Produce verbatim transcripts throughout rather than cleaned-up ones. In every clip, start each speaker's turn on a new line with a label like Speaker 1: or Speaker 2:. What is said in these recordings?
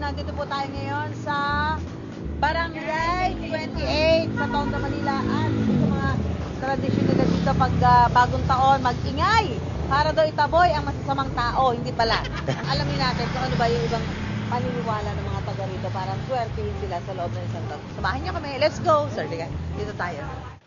Speaker 1: nandito po tayo ngayon sa Barangay twenty-eight sa Tondo, Manila. At ito mga tradisyon nila dito pag uh, bagong taon, mag-ingay para daw itaboy ang masasamang tao. Hindi pala. Alamin natin kung ano ba yung ibang paniniwala ng mga taga rito para swertihin sila sa loob ng isang taon. Samahan niyo kami. Let's go! Sir, dito tayo.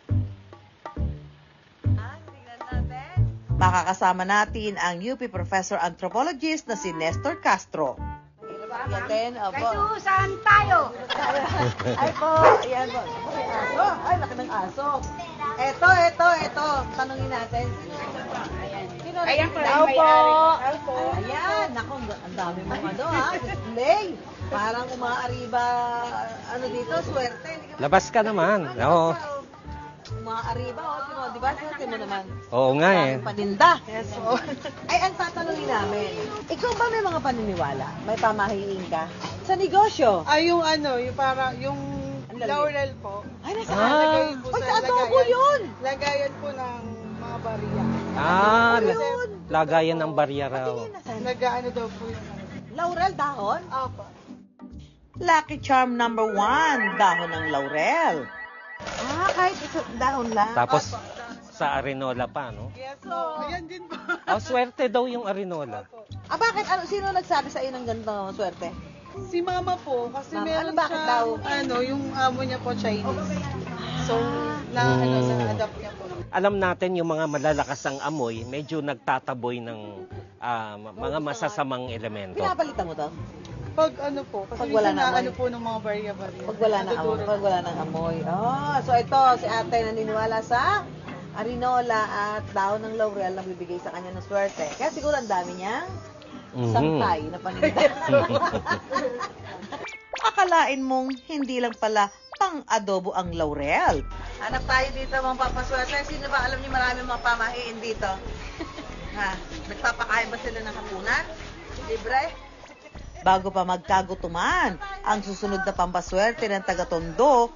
Speaker 1: Makakasama natin ang U P Professor Anthropologist na si Nestor Castro. Yatin, opo.
Speaker 2: Kayo, saan tayo?
Speaker 1: Ay po, ayan po. Ay, aso. Ay, laki ng aso. Eto, eto, eto. Tanungin natin. Sino
Speaker 2: Ayan po,
Speaker 1: Daw
Speaker 2: may
Speaker 1: po.
Speaker 2: ari. Po.
Speaker 1: Ayan, naku, ang dami mong ano ha, display. Parang umaariba, ano dito, swerte.
Speaker 3: Labas ka naman. Oo.
Speaker 1: Umaariba, o, tino, di ba? Swerte mo naman.
Speaker 3: Oo nga eh.
Speaker 1: Maraming paninda. Yes, po. Ay, ang tatanungin namin, ikaw ba may mga paniniwala? May pamahiin ka? Sa negosyo?
Speaker 4: Ay, yung ano, yung para, yung
Speaker 1: Ang lalaki.
Speaker 4: laurel po.
Speaker 1: Ay, nasa
Speaker 3: Ah.
Speaker 4: Lagay po
Speaker 1: Ay, sa adobo yun!
Speaker 4: Lagayan po ng mga bariya.
Speaker 3: Ah,
Speaker 1: Ano
Speaker 3: la-
Speaker 1: yun?
Speaker 3: lagayan ng barya raw.
Speaker 1: Patingin na saan?
Speaker 4: Nag-ano daw po yung ano.
Speaker 1: Laurel dahon?
Speaker 4: Apa.
Speaker 1: Lucky charm number one, dahon ng laurel. Ah, kahit isa dahon lang.
Speaker 3: Tapos sa Arinola pa, no?
Speaker 4: Yes po. Ayan din po.
Speaker 3: Oh, swerte daw yung Arinola.
Speaker 1: Ah, bakit? Ano, sino nagsabi sa iyo ng ganito swerte?
Speaker 4: Si mama po, kasi
Speaker 1: Mama,
Speaker 4: meron
Speaker 1: ano, bakit
Speaker 4: siya,
Speaker 1: daw?
Speaker 4: ano, yung amo niya po Chinese. So, na, ano,
Speaker 3: Mm.
Speaker 4: na-adapt niya po.
Speaker 3: Alam natin yung mga malalakas ang amoy, medyo nagtataboy ng ah, mga masasamang elemento.
Speaker 1: Pinapalitan mo to?
Speaker 4: Pag ano po, kasi
Speaker 1: Pag wala
Speaker 4: minsan
Speaker 1: na
Speaker 4: na,
Speaker 1: amoy.
Speaker 4: ano po ng mga bariya-bariya.
Speaker 1: Pag wala ng amoy.
Speaker 4: Nadudurog.
Speaker 1: Pag wala ng amoy. Ah, so ito, si ate naniniwala sa arinola at dahon ng laurel na bibigay sa kanya ng swerte. Kaya siguro ang dami niyang
Speaker 3: Mhm.
Speaker 1: sangkay na paninda. Akalain mong hindi lang pala pang-adobo ang laurel. Hanap tayo dito mga papaswerte. Sino ba alam niyo marami mga pamahiin dito? Ha? Nagpapakain ba sila ng hapunan? Libre? Bago pa magkagutuman, ang susunod na pampaswerte ng taga-Tondo.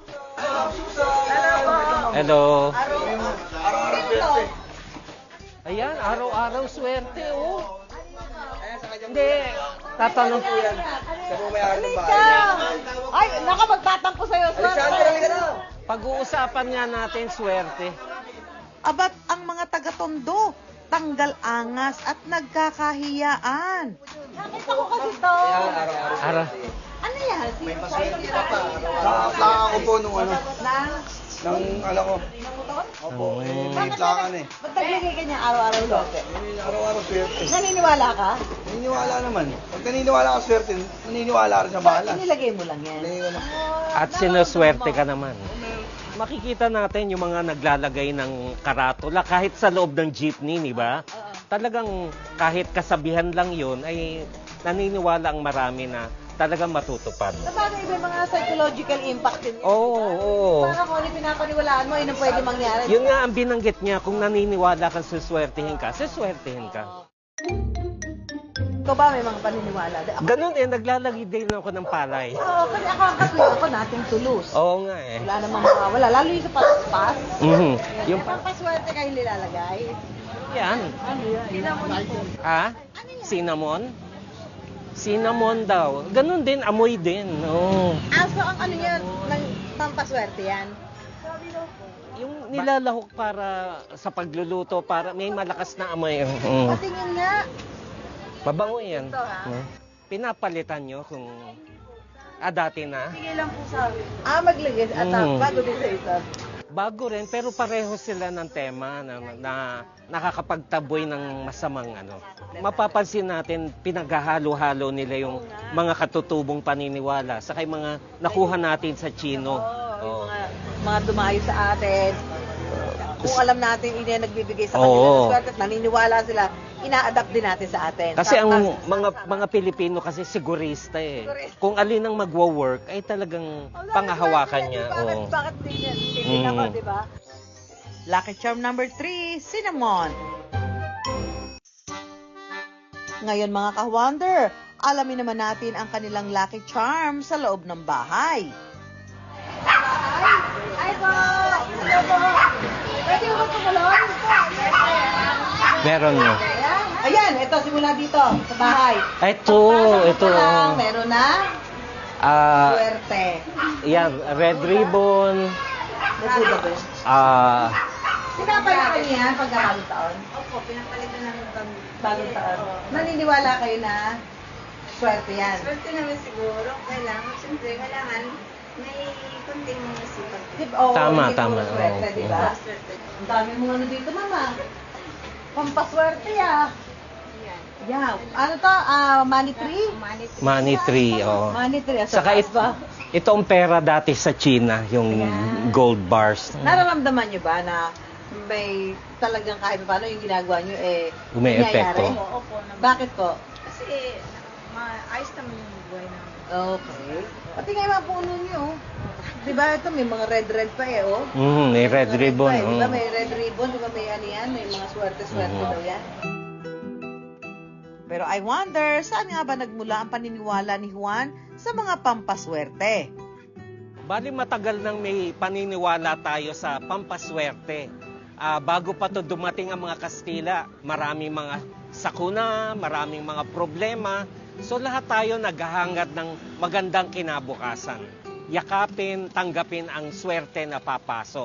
Speaker 3: Hello.
Speaker 1: Araw-araw.
Speaker 3: Ayan, araw-araw swerte, oh. Hindi, tatanong po yan.
Speaker 1: Halika! Ay, naka magtatampo sa'yo. Swerte.
Speaker 3: Pag-uusapan nga natin swerte.
Speaker 1: Abat ang mga taga-Tondo, tanggal angas at nagkakahiyaan. Nakita ko kasi to.
Speaker 3: Ara.
Speaker 1: Ano yan? May paswerte pa.
Speaker 5: Nakaplaka ko po nung ano,
Speaker 1: Nang?
Speaker 5: ng ano ko.
Speaker 1: Nang motor?
Speaker 5: Opo, eh,
Speaker 1: Bakit
Speaker 5: may plakan eh.
Speaker 1: Ba't naglagay ka niya araw-araw swerte?
Speaker 5: Araw-araw swerte.
Speaker 1: Naniniwala ka?
Speaker 5: Naniniwala naman. Pag naniniwala ka swerte, naniniwala ka rin sa bahala.
Speaker 1: Inilagay mo lang yan.
Speaker 5: Naniniwala.
Speaker 3: At sinuswerte ka naman. Makikita natin yung mga naglalagay ng karatula kahit sa loob ng jeepney, di ba? Talagang kahit kasabihan lang yun ay naniniwala ang marami na talagang matutupad.
Speaker 1: Sa bagay, may mga psychological impact din.
Speaker 3: Oo, oo.
Speaker 1: Para kung ano yung pinapaniwalaan mo, yun ang pwede mangyari.
Speaker 3: Yun nga ang binanggit niya, kung naniniwala ka, suswertihin ka, suswertihin ka.
Speaker 1: Ikaw ba may mga paniniwala? Ako,
Speaker 3: Ganun eh, naglalagay din ako ng palay.
Speaker 1: Oo, kasi ako ang katuloy ako nating tulus.
Speaker 3: Oo nga eh.
Speaker 1: Wala namang mga, wala. Lalo yung sa paspas.
Speaker 3: Mhm. Yung
Speaker 1: Yung paswerte kayo nilalagay.
Speaker 3: yan.
Speaker 1: Ano yan? Cinnamon po.
Speaker 3: Ha? Cinnamon? Cinnamon daw. Ganun din, amoy din. Oo.
Speaker 1: Ah, so ang ano yan, ng pampaswerte yan?
Speaker 3: Yung nilalahok para sa pagluluto, para may malakas na amoy. Mm.
Speaker 1: Patingin nga.
Speaker 3: Mabango yan.
Speaker 1: Ito, ha?
Speaker 3: Mm. Pinapalitan nyo kung... Ah, dati na.
Speaker 1: Sige lang po sa akin. Ah, maglagay. At
Speaker 3: Mm.
Speaker 1: bago din sa isa.
Speaker 3: Bago rin, pero pareho sila ng tema na, na nakakapagtaboy ng masamang ano. Mapapansin natin, pinaghahalo-halo nila yung mga katutubong paniniwala sa kay mga nakuha natin sa Chino.
Speaker 1: Oo, yung
Speaker 3: Oo.
Speaker 1: mga, mga dumayo sa atin. Kung alam natin, yun yung nagbibigay sa kanila
Speaker 3: Oo.
Speaker 1: ng swerte at naniniwala sila, ina-adapt din natin sa atin.
Speaker 3: Kasi ang
Speaker 1: Tama.
Speaker 3: mga mga Pilipino kasi sigurista eh.
Speaker 1: Sigurista.
Speaker 3: Kung alin ang magwo-work ay talagang
Speaker 1: Oh,
Speaker 3: pangahawakan
Speaker 1: bakit,
Speaker 3: niya.
Speaker 1: Bakit,
Speaker 3: Oo.
Speaker 1: bakit din yan? Tingin ako,
Speaker 3: Mm.
Speaker 1: di ba? Lucky charm number three, cinnamon. Ngayon mga ka-wonder, alamin naman natin ang kanilang lucky charm sa loob ng bahay. Ay po! Hello po! Pwede mo tumulong?
Speaker 3: Meron nyo.
Speaker 1: Ayan, ito simula dito sa bahay.
Speaker 3: Ito,
Speaker 1: Pagpasok mo
Speaker 3: ito.
Speaker 1: pa lang, meron na
Speaker 3: Ah,
Speaker 1: Swerte.
Speaker 3: yan, red ribbon,
Speaker 1: Nagbuda ba yun?
Speaker 3: ah,
Speaker 1: Pinapalitan niya yan pagka bagong taon?
Speaker 2: Opo, pinapalitan namin pag
Speaker 1: Bagong taon. Naniniwala kayo na swerte yan.
Speaker 2: Swerte naman siguro. Kailangan, siyempre, kailangan may kunting sipag.
Speaker 1: Di ba? Oo,
Speaker 3: Tama,
Speaker 1: hindi
Speaker 3: tama.
Speaker 1: puro swerte,
Speaker 3: Oo.
Speaker 1: di ba?
Speaker 2: Swerte.
Speaker 1: Ang dami mong ano dito, mama. Pampaswerte, ah.
Speaker 2: Yan.
Speaker 1: Yeah. Ano to? Ah, money tree?
Speaker 2: Money tree.
Speaker 3: money tree, oh.
Speaker 1: Money tree. Ah,
Speaker 3: Saka
Speaker 1: taas
Speaker 3: it,
Speaker 1: ba?
Speaker 3: itong pera dati sa China, yung
Speaker 1: Ayan.
Speaker 3: gold bars.
Speaker 1: Nararamdaman nyo ba na may talagang kahit paano yung ginagawa nyo eh
Speaker 3: Ume-epekto.
Speaker 1: nangyayari?
Speaker 2: Opo, opo. naman.
Speaker 1: Bakit po?
Speaker 2: Kasi, maayos naman yung buhay namin.
Speaker 1: Okay. Pati nga yung mga puno nyo. Di ba ito may mga red-red pa eh, oh.
Speaker 3: Mm, may red
Speaker 1: Mga
Speaker 3: ribbon.
Speaker 1: pa eh. Di ba
Speaker 3: oh.
Speaker 1: may red ribbon? Di ba may ano yan? May mga swerte-swerte
Speaker 3: Mhm.
Speaker 1: daw yan. Pero I wonder, saan nga ba nagmula ang paniniwala ni Juan sa mga pampaswerte?
Speaker 3: Bali matagal nang may paniniwala tayo sa pampaswerte. Ah, bago pa to dumating ang mga Kastila, maraming mga sakuna, maraming mga problema. So lahat tayo naghahangad ng magandang kinabukasan. Yakapin, tanggapin ang swerte na papasok.